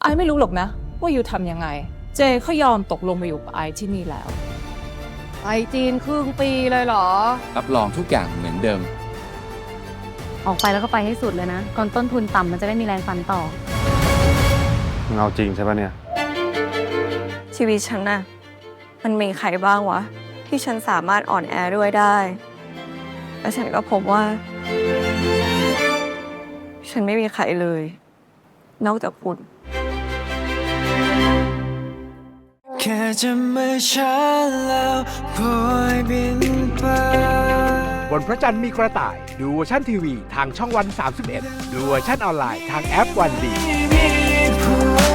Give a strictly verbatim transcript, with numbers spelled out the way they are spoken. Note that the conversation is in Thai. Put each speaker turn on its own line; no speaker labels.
ไอไม่รู้หรอกนะว่ายูทำยังไงเจเขายอมตกลงมาอยู่กับไอที่นี่แล้วไปจีนครึ่งปีเลยเหรอ
รับรองทุกอย่างเหมือนเดิม
ออกไปแล้วก็ไปให้สุดเลยนะก่อนต้นทุนต่ำมันจะได้มีแรงฟันต่อ
มึงเอาจริงใช่ปะเนี่ย
ชีวิตฉันน่ะมันมีใครบ้างวะที่ฉันสามารถอ่อนแอด้วยได้แล้วฉันก็พบว่า ฉันไม่มีใครเลยนอกจากคุณ
แค่จะไม่ช้าแล้วปล่อยบินไป
บนพระจันทร์มีกระต่ายดูเวอร์ชันทีวีทางช่องวันสามสิบเอ็ดดูเวอร์ชันออนไลน์ทางแอปวันดี